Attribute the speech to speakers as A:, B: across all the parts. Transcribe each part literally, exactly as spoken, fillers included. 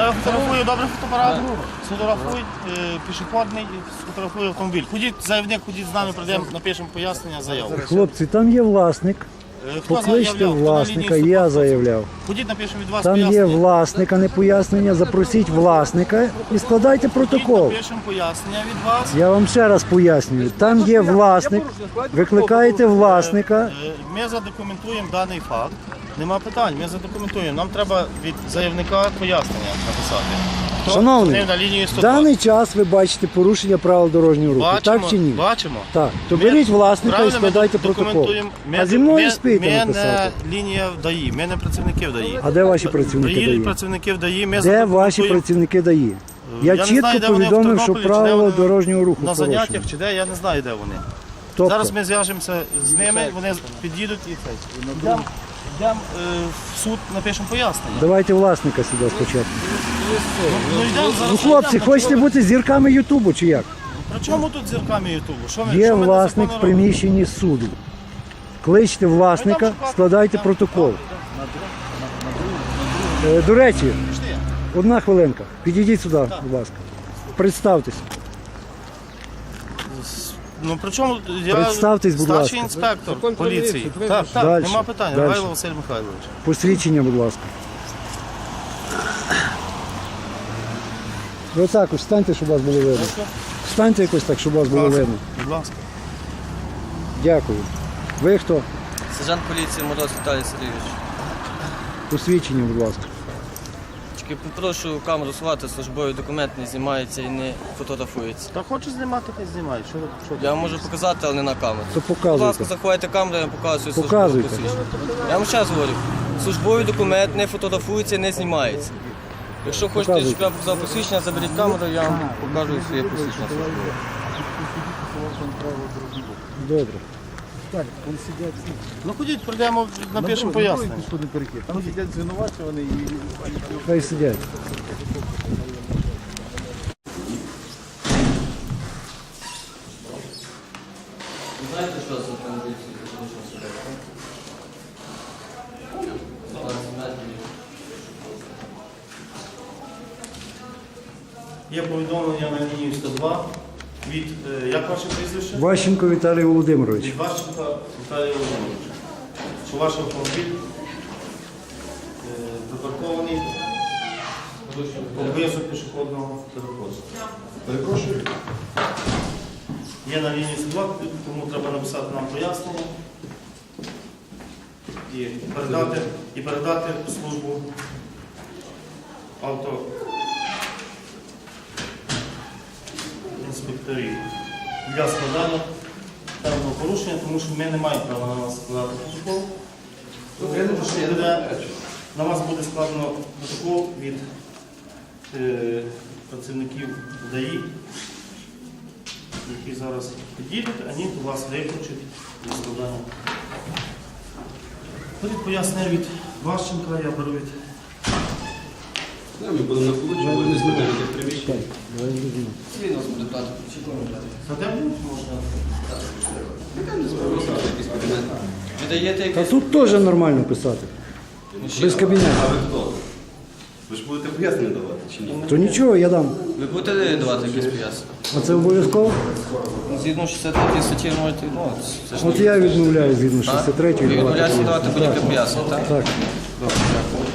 A: я фотографую, добре фотоапарат, сфотографуй е, пішохідний, сфотографую автомобіль. Ходіть, заявник, ходіть з нами, прийдемо, напишемо пояснення, заяву.
B: Хлопці, там є власник.
A: Е, хто
B: Покличте
A: заявляв? Хто на
B: власника,
A: лінії
B: я
A: вступав?
B: заявляв.
A: Ходіть, напишемо від вас
B: Там є
A: пояснення.
B: власник, а не пояснення. Запросіть власника і складайте
A: Ходіть,
B: протокол.
A: напишемо пояснення від вас.
B: Я вам ще раз пояснюю. Там є власник, викликаєте власника.
A: Е, Ми задокументуємо даний факт. Нема питань, ми задокументуємо. Нам треба від заявника пояснення написати. Хто
B: Шановний,
A: зупинив на лінії
B: в
A: сто два?
B: даний час ви бачите порушення правил дорожнього руху.
A: Бачимо,
B: Так чи ні?
A: бачимо.
B: Так. То
A: Ми-
B: беріть власника і
A: правильно, ми
B: складайте протокол.
A: документуємо. Ми-
B: А зі мною
A: ми-
B: спійте
A: Ми
B: написати.
A: не лінія ДАІ, ми не працівники ДАІ.
B: А де ваші працівники
A: Приїдуть
B: ДАІ?
A: працівники ДАІ, ми
B: Де ваші
A: задокументуємо.
B: працівники ДАІ? Я,
A: не
B: чітко
A: знаю, де вони, в
B: повідомив, що
A: Тернополі, чи де
B: правила
A: вони
B: дорожнього руху
A: на
B: порушені.
A: заняттях чи де, я не знаю, де вони.
B: Тобто,
A: Зараз ми зв'яжемося з ними, вони під'їдуть і це. Йдемо йдемо, е, в суд, напишемо пояснення.
B: давайте власника сюди спочатку.
A: Ну, йдемо, зараз
B: Ну, хлопці,
A: йдемо.
B: хочете бути зірками Ютубу чи як?
A: При чому тут зірками Ютубу? Що ми,
B: Є
A: що ми
B: власник в
A: незаконно
B: приміщенні суду. Кличте власника, складайте протокол. Е, До речі,
A: робимо? Пішли.
B: одна хвилинка. Підійдіть сюди, будь ласка. Представтесь.
A: Ну при чому я
B: Представтесь, будь
A: старший
B: ласка.
A: інспектор поліції. Так, так,
B: Дальше,
A: нема питань.
B: дальше.
A: Гайло Василь Михайлович.
B: Посвідчення, будь ласка. Ви так, ось встаньте, щоб вас було видно. Встаньте якось так, щоб вас було видно.
A: Будь ласка.
B: Дякую. Ви хто?
C: Сержант поліції Мороз Віталій Сергійович.
B: Посвідчення, будь ласка.
C: Тільки попрошу камеру сховати, службовий документ не знімається і не фотографується.
A: Та хочу знімати, хай знімай. Що, що
C: Я вам можу показати, але не на камеру.
B: То
C: Будь ласка,
B: показуйте.
C: заховайте камеру, я вам показую службове
B: Показуйте.
C: посвідчення. Я вам ще раз говорю, службовий документ не фотографується, не знімається. Якщо хочете,
B: Показуйте.
C: щоб я показав посвідчення, заберіть камеру, я вам покажу своє посвідчення.
B: Добре.
A: Ну ходіть, прийдемо, напишемо пояснення.
D: Там сидять звинувачувані і
B: Хай сидять.
C: Знаєте, що це автомобіль?
A: Є повідомлення на лінію сто два від, е, як ваше прізвище?
B: Ващенко Віталій Володимирович.
A: Від Ващенка Віталія Володимировича. Що ваш автомобіль е, припаркований поблизу пішохідного переходу.
D: перепрошую.
A: Є на лінії сто два, тому треба написати нам пояснення і передати, і передати в службу авто інспекторів для складання певного порушення, тому що ми не маємо права на нас складати протокол. Буде- На вас буде складено протокол від е, працівників ДАІ, які зараз підійдуть, вони до вас викличуть для складання. Ходить пояснення від Ващенка, я беру від
E: Да, ми будемо на получу, будемо смотрели в приміщенні.
B: Давай зрозуміємо.
A: За де будуть можна?
C: Віддаєте
B: Та
C: якийсь...
B: тут теж нормально писати. Без кабінету.
E: А ви хто? Ви ж будете пояснення давати чи ні?
B: То нічого, я дам.
C: Ви будете давати якісь пояснення?
B: А це обов'язково?
C: Ну, згідно шістдесят третьої статті можете відмовитися. Це ж
B: От я відмовляю згідно шістдесят
C: ви
B: третьої.
C: відмовляєтеся давати будь-яке пояснення, так?
B: Так.
C: Добре, дякую.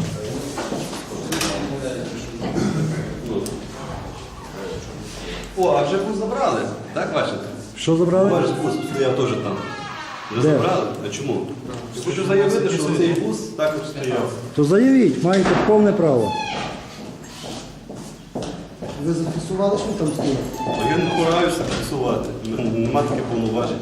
E: О, а вже бус забрали, так бачите?
B: Що забрали?
E: Ваш бус стояв теж там. Вже
B: Де?
E: забрали? А чому? Хочу заявити, що цей бус також стояв.
B: То заявіть, маєте повне право. Ви зафіксували, що там стоїть?
E: А я не впираюся фіксувати. Нема таких повноважень.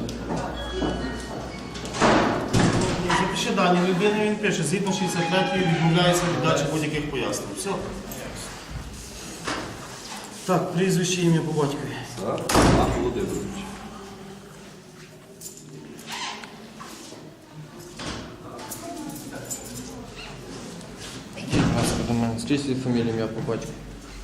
A: Запиши дані людини, він пише, згідно шістдесят третьої відмовляється від дачі будь-яких пояснень. Все. Так, прізвище, ім'я по батькові.
E: Так, Роман Володимирович.
C: Будь ласка, до мене. Скажіть свою фамілію, ім'я по батьку.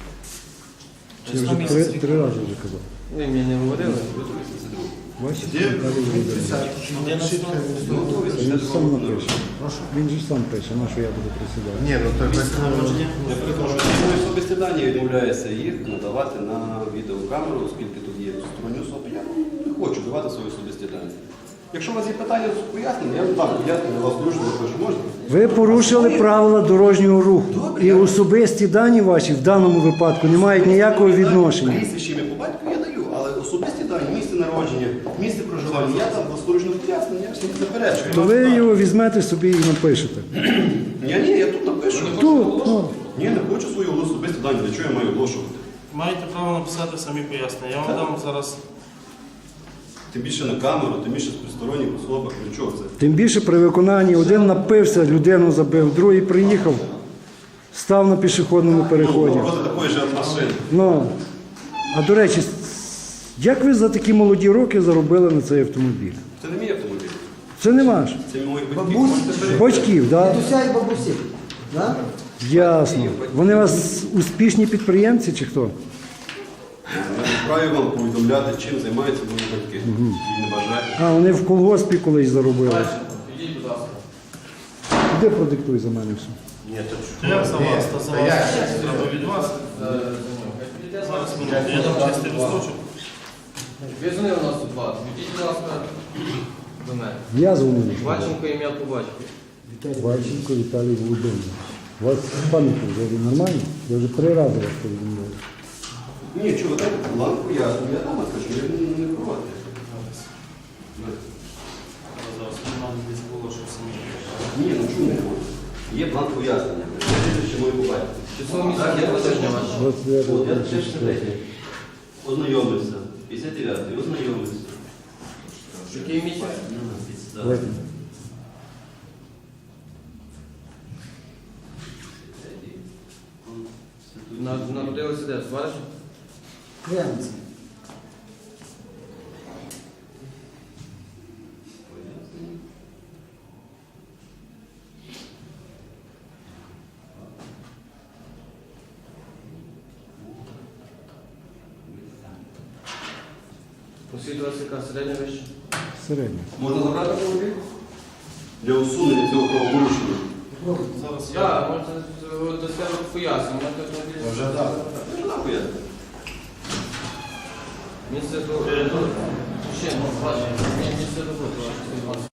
B: Я вже три, три рази вже казав.
C: Ви мені не говорили?
B: Бачите, Віталій Володимирович. Він же сам напише. Він же сам пише, на що я буду присідати.
D: Ні, ну так
A: Народження.
E: Я перепрошую, особисті дані, я відмовляюся їх надавати на відеокамеру, оскільки тут є сторонні особи. Я не хочу давати свої особисті дані. Якщо у вас є питання з пояснення, я вам дам пояснення, вас дуже прошу, можна?
B: Ви порушили правила дорожнього руху. І особисті дані ваші в даному випадку не мають ніякого відношення.
E: Прізвище ім'я по батьку я даю, але особисті дані, місце народження, місце проживання, я там власноручно пояснення, я всіх заперечую.
B: То ви його візьмете собі і напишете.
E: Ні, ні, я тут напишу.
B: Тут, ну.
E: Ні, не хочу свої особисті дані, для чого я маю оголошувати?
A: Маєте право написати самі пояснення. Я вам дам зараз.
E: Тим більше на камеру, тим більше з присторонніх особах, для чого це?
B: Тим більше при виконанні один напився, людину забив, другий приїхав, став на пішохідному переході.
E: Ну, проти такої ж машини.
B: Ну, а до речі, як ви за такі молоді роки заробили на цей автомобіль?
E: Це не мій автомобіль,
B: Це не ваш.
E: це моїх батьків.
B: Батьків, так?
F: Дідуся і бабусі. Да?
B: Ясно. Вони у вас успішні підприємці чи хто?
E: Я не вправі вам повідомляти, чим займаються мої батьки. І не бажаю.
B: А, вони в колгоспі колись заробили.
C: Підіть, будь ласка.
B: Іди продиктуй за мене все.
A: Ні, то як за вас, та за вас. Треба від вас. Зараз минуту. Я дам чистий листочок.
C: Ви дзвонили у нас тут вас. Підіть, будь ласка, до мене.
B: Я дзвоню.
C: Баченко, ім'я по батькові.
B: Баченко Віталій Володимирович. У вас пам'ять вже нормально? Я вже три рази вас повідомляю.
E: Ні, чого, дайте бланк поясню, я там скажу, я не, не проти.
A: Зараз у мене десь було, що самі.
E: Ні, ну чому не можна? Є бланк пояснення. Я ще мою побачити.
C: Число місяця є тижня ваше.
B: двадцять дев'яте,
E: От, я
B: двадцять
E: ще
B: четверте.
E: Ознайомився. п'ятдесят дев'ятий, ознайомився.
C: Який місяць?
E: Да.
B: Давайте.
C: На- Народилися де? В Варшаві?
F: Кремці.
C: Освіта у вас яка середня вища?
B: Середньо.
E: Можна забрати автомобіль? Для усунення цього правопорушення.
A: Зараз я.
C: Так, можете до себе пояснити. Можете автомобіль.
E: Вже так. Вже так поясню.
C: Місце до... Ще, ну, бачите, місце роботи.